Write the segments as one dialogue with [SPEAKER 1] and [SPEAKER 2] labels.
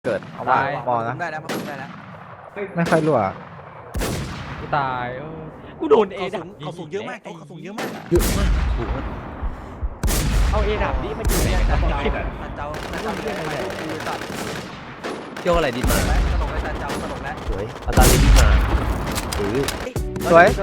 [SPEAKER 1] เกิดเอาว่าบอลนะ
[SPEAKER 2] ได้แล้วมันได้แล้ว
[SPEAKER 1] ไม่ค่อยรั่ว
[SPEAKER 3] กูตายกูโดนเอ
[SPEAKER 2] เขาสูงเยอะมากเขาสูงเยอะมาก
[SPEAKER 1] เยอะมาก
[SPEAKER 3] เอาเอดับนี่มาอยู่ในกระบอก
[SPEAKER 2] เจ้าตัด
[SPEAKER 4] โยกอะไรดิมา
[SPEAKER 2] แล้วตลกแล้วเจ้าตลกแล้ว
[SPEAKER 4] สวยเอาตาลีดิมา
[SPEAKER 1] สวย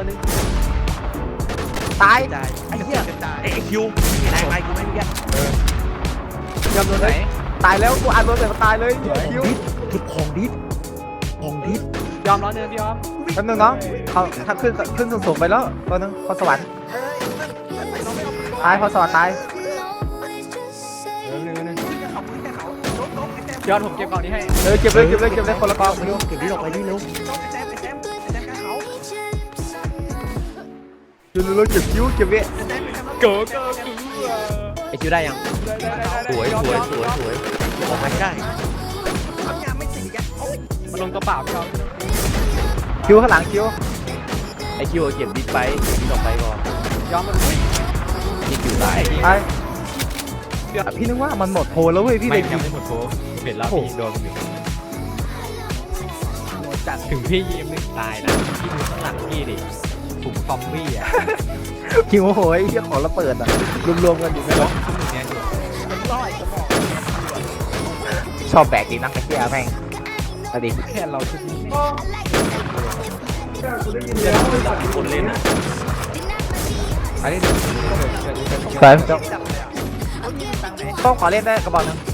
[SPEAKER 1] ตาย
[SPEAKER 2] จ่ายไอ้เหี้ยจ่ายไอ้คิวแรงไปกูไม่เงี้ย
[SPEAKER 1] ยอมโดนไหนตายแล้วกูอ่านโดนแต่ตายเลยคิว
[SPEAKER 4] ดิบของดิบของดิบ
[SPEAKER 3] ยอมร้อนเนินพี่ยอม
[SPEAKER 1] แป๊บนึงน้องเขาถ้าขึ้นสูงไปแล้วตัวนึงพอสวรรค์ตายพอสวรรค์ตาย
[SPEAKER 3] ยอดผมเก็บกล่องนี้ให้
[SPEAKER 1] เก็บเลยคนละกอง
[SPEAKER 4] เร็วเก็บดิบออกไปดิเร็ว
[SPEAKER 1] เราเก็บคิวเก็บเว
[SPEAKER 3] เกิด
[SPEAKER 4] ไอคิวได้ยังสวยออกมาให้ได้
[SPEAKER 3] มันลงตัวเปล่าพี่ยอม
[SPEAKER 1] คิวข้างหลังคิว
[SPEAKER 4] ไอคิวเก็บดิบไปดิบออกไปก่อน
[SPEAKER 3] ยอมมัน
[SPEAKER 4] นี่คิวตาย
[SPEAKER 1] ตายพี่นึกว่ามันหมดโพแล้วเว้ยพี่เลยยิง
[SPEAKER 3] ไม่หมดโค้เห็นแล้วพี่โดนอยู่จัดถึงพี่ยิมนึงตายนะพี่ดูข้างหลังพี่ดิถุงซอมบี้อ่ะ
[SPEAKER 1] คิวโอ้โหไอ้เหี้ยของระเบิดอ่ะรวมกันอยู่ไม่หรอ
[SPEAKER 3] เนี่ยอยู่
[SPEAKER 1] ชอบแบกดีนักไอ้เหี้ยแม่งอดี
[SPEAKER 3] แค่เราชุดนี้
[SPEAKER 4] คนเล่นอ่ะ
[SPEAKER 3] อันนี้
[SPEAKER 1] ไปต้องขอเล่นได้กระบอกนึง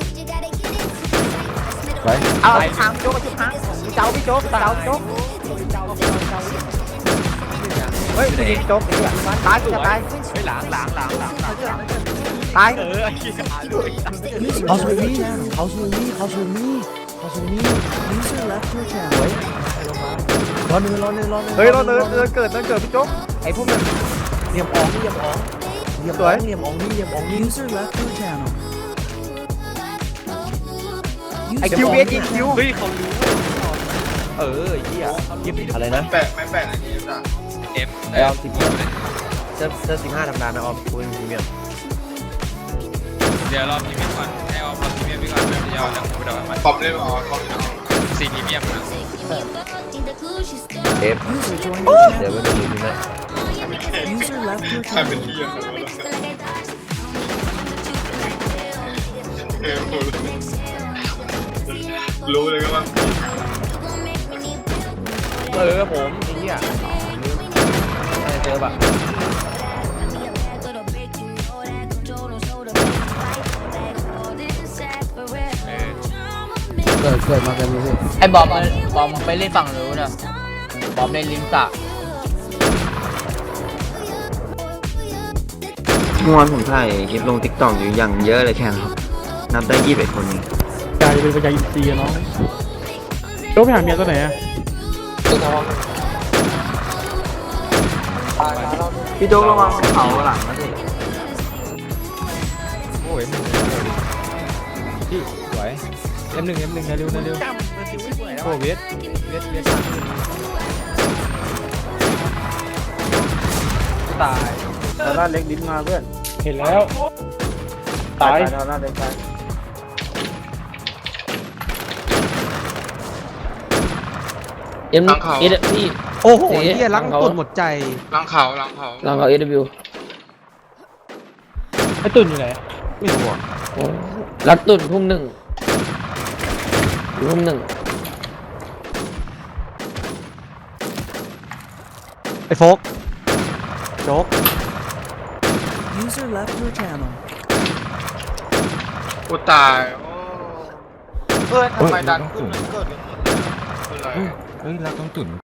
[SPEAKER 1] ไปเอาทางโจ๊กชุดทางพี่โจ๊กเฮ้ยยิงโจ๊กไอ้เหี้ยตายจะตาย
[SPEAKER 3] ไม่หลัง
[SPEAKER 1] ตาย
[SPEAKER 4] เขาสูนี่เขาสูนี่user left your channel รอหนึ่ง
[SPEAKER 1] เฮ้ยเราเดินเกิดพี่โจ๊กไอ้พวกนึง
[SPEAKER 4] เหลี่ยมอ๋อง
[SPEAKER 5] User left your channel.
[SPEAKER 1] ไอ้คิวเวสยิงคิว
[SPEAKER 3] เฮ้ยเขารู้
[SPEAKER 4] ไอ้เหี้ยอะไรนะ
[SPEAKER 6] แปะไม่แปะอันนี้จ้ะ
[SPEAKER 4] ไอออม15เซิร์ฟ15ธรรมดานะออมคุยพรีเมียม
[SPEAKER 7] เดี๋ยวรอพรีเมียมก่อนให้ออมรอพรีเมียมไปก่อนแล้วเดี๋ยวเราจะมา
[SPEAKER 6] ปอมเล่นอ๋อปอมเล่น
[SPEAKER 7] ซีพรีเมียมนะ
[SPEAKER 4] เอฟ
[SPEAKER 5] User joined
[SPEAKER 4] เดี๋ยว
[SPEAKER 5] your
[SPEAKER 4] ไปดูนี่นะ
[SPEAKER 5] channel. User left your
[SPEAKER 6] ใครเป็น
[SPEAKER 5] channel.
[SPEAKER 6] ที่ยังไงรู้เลยก็ว่า
[SPEAKER 4] ผมไอ้เหี้ยเจอปะ
[SPEAKER 1] เกิดมากันเลย
[SPEAKER 8] ไอ้บอมไปเล่นฝั่งนู้นนะบอมเล่นริมสระ
[SPEAKER 9] เมื่อวานผมถ่ายคลิปลงติ๊กต็อกอยู่อย่างเยอะเลยแข่งครับนับได้21คนนี้
[SPEAKER 3] กายจะเป็นปัญญาอินทรีย์น้องโจ๊กไปหาเมียตัวไหนอะ
[SPEAKER 9] พี่โจ๊กระวังเขาหลังนะสิ
[SPEAKER 3] โอ้ยมึงพี่สวยM1 เร็วโอ้เวสตาย
[SPEAKER 1] แต่ละเล็กดิ้นมาเพื่อน
[SPEAKER 3] เห็นแล้วตาย
[SPEAKER 1] แต่ละเล็กตาย
[SPEAKER 8] เอ็มเอสพี่
[SPEAKER 2] โอ้โหเหี้ยล้างกดหมดใจ
[SPEAKER 6] ล้างเขา
[SPEAKER 8] ลองเอาเอสวิว
[SPEAKER 3] ไอ้ตุ่นอยู่ไหน
[SPEAKER 2] ไม่รู้อ่ะ
[SPEAKER 8] รัดตุ่นทุ่ม 1ทุ่ม 1
[SPEAKER 2] ไอ้โฟกโจ๊ก
[SPEAKER 5] User left your channel.
[SPEAKER 6] กูตายโอ้เฮ้ยทำไมดันขึ้นมันเกิดอะไร
[SPEAKER 3] เฮ้ยรักต้องตุ่น